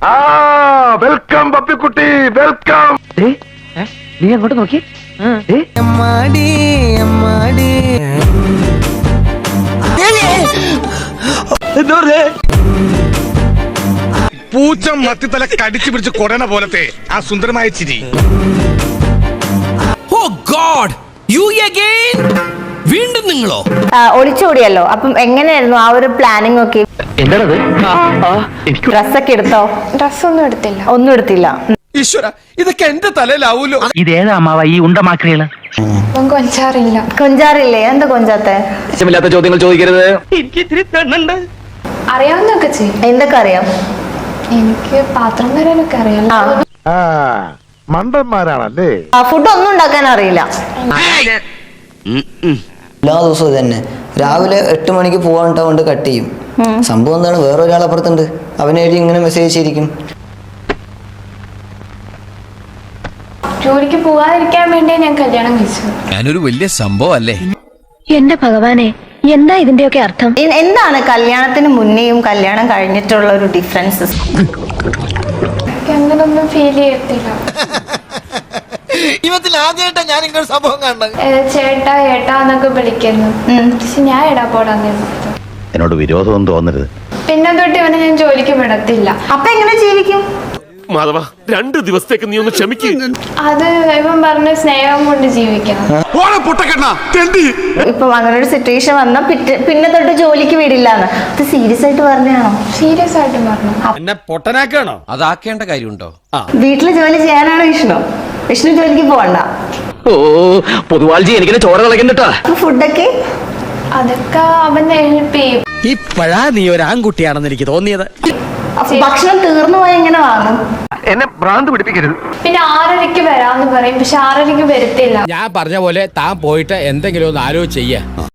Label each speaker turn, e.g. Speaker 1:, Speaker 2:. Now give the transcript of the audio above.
Speaker 1: Welcome പപ്പിക്കുട്ടി, welcome.
Speaker 2: നീ അങ്ങോട്ട് നോക്കി.
Speaker 3: പൂച്ച മത്തിത്തല കടിച്ചു പിടിച്ച് കൊടന പോലത്തെ ആ സുന്ദരമായ ചിരി.
Speaker 4: Oh god, you again? വീണ്ടും നിങ്ങളോ?
Speaker 5: ഒളിച്ചോടിയല്ലോ, അപ്പം എങ്ങനെയായിരുന്നു ആ ഒരു പ്ലാനിങ് ഒക്കെ?
Speaker 2: എന്താണത്?
Speaker 5: ഡ്രസ്സൊക്കെ എടുത്തോ?
Speaker 6: ഡ്രസ്സൊന്നും എടുത്തില്ല.
Speaker 5: ഒന്നും എടുത്തില്ല.
Speaker 4: ഈശ്വര, ഇതൊക്കെ എന്റെ തലയിലാവൂലോ.
Speaker 2: ഇതേതാ അമ്മാവ ഈ ഉണ്ടമാക്രികള്?
Speaker 6: അപ്പം കൊഞ്ചാറില്ല.
Speaker 5: കൊഞ്ചാറില്ലേ? എന്താ കൊഞ്ചാത്തെ?
Speaker 2: ഇഷ്ടമില്ലാത്ത ചോദ്യങ്ങൾ ചോദിക്കരുത്.
Speaker 6: അറിയാവുന്നൊക്കെ ചെയ്യും.
Speaker 5: എന്തൊക്കെ അറിയാം?
Speaker 6: എനിക്ക് പാത്രം വരാനൊക്കെ അറിയാം.
Speaker 1: മണ്ടന്മാരാണല്ലേ.
Speaker 5: ഫുഡ് ഒന്നും ഉണ്ടാക്കാൻ അറിയില്ല.
Speaker 7: എല്ലാ ദിവസവും ഇത് തന്നെ. രാവിലെ 8 മണിക്ക് പോകാനിട്ട് കട്ട് ചെയ്യും. സംഭവം എന്താണ്, വേറെ ഒരാളപ്പുറത്തുണ്ട്, അവനെഴുതി ഇങ്ങനെ മെസ്സേജ് ചെയ്തിരിക്കും.
Speaker 6: ജോലിക്ക് പോകാതിരിക്കാൻ വേണ്ടി ഞാൻ കല്യാണം കഴിച്ചു.
Speaker 4: ഞാനൊരു വലിയ സംഭവം അല്ലേ?
Speaker 8: എന്റെ ഭഗവാനെ, എന്താ ഇതിന്റെയൊക്കെ അർത്ഥം?
Speaker 5: എന്താണ് കല്യാണത്തിന് മുന്നേയും കല്യാണം കഴിഞ്ഞിട്ടുള്ള ഒരു ഡിഫറൻസ്?
Speaker 6: എനിക്ക് അങ്ങനൊന്നും ഫീൽ ചെയ്യത്തില്ല.
Speaker 4: ജീവിതത്തിൽ ആദ്യമായിട്ടാ ഞാൻ ഇങ്ങനെ സംഭവം കണ്ടത്.
Speaker 6: ചേട്ടാ ഏട്ടാ എന്നൊക്കെ വിളിക്കുന്നു. പക്ഷെ ഞാൻ എടാ പോടാന്ന് പറഞ്ഞു.
Speaker 1: എന്നോട് വിരോധമൊന്നും തോന്നരുത്.
Speaker 6: പിന്നെ തൊട്ട് ഇവനെ ഞാൻ ജോലിക്ക് വിടത്തില്ല.
Speaker 5: അപ്പൊ എങ്ങനെ ജീവിക്കും?
Speaker 9: മാധവ, 2 ദിവസത്തേക്ക് നീ ഒന്ന് ക്ഷമിക്കും.
Speaker 6: അത് ഇവൻ പറഞ്ഞ സ്നേഹം കൊണ്ട് ജീവിക്കണം.
Speaker 5: ഇപ്പൊ അങ്ങനെ ഒരു സിറ്റുവേഷൻ വന്നാ പിന്നെ തൊട്ട് ജോലിക്ക് വിടില്ലാന്ന്. ഇത് സീരിയസ് ആയിട്ട് പറഞ്ഞാണോ?
Speaker 6: സീരിയസ് ആയിട്ട് പറഞ്ഞു.
Speaker 4: എന്നെ പൊട്ടനാക്കാണോ? അതാക്കേണ്ട കാര്യമുണ്ടോ?
Speaker 5: വീട്ടില് ജോലി ചെയ്യാനാണോ വിഷ്ണു? വിഷ്ണു ജോലിക്ക് പോകണ്ട.
Speaker 2: ഓ പൊതുവാൾജി എനിക്കിനെ ചോര കളക്കണ്ടട്ടാ.
Speaker 5: ഫുഡൊക്കെ
Speaker 6: അതൊക്കെ അവനെ ഹെൽപ്പ് ചെയ്യും.
Speaker 4: ഇപ്പഴാ നീ ഒരു ആൺകുട്ടിയാണെന്ന് എനിക്ക് തോന്നിയത്.
Speaker 5: ഭക്ഷണം തീർന്നു പോയി എങ്ങനെ വാങ്ങും?
Speaker 1: എന്നെ ഭ്രാന്ത് പിടിപ്പിക്കരുത്.
Speaker 6: പിന്നെ 6:30 വരാന്ന് പറയും, പക്ഷെ 6:30 വരത്തില്ല.
Speaker 4: ഞാൻ പറഞ്ഞ പോലെ താൻ പോയിട്ട് എന്തെങ്കിലും ഒന്ന് ആലോചിച്ച് ചെയ്യാ.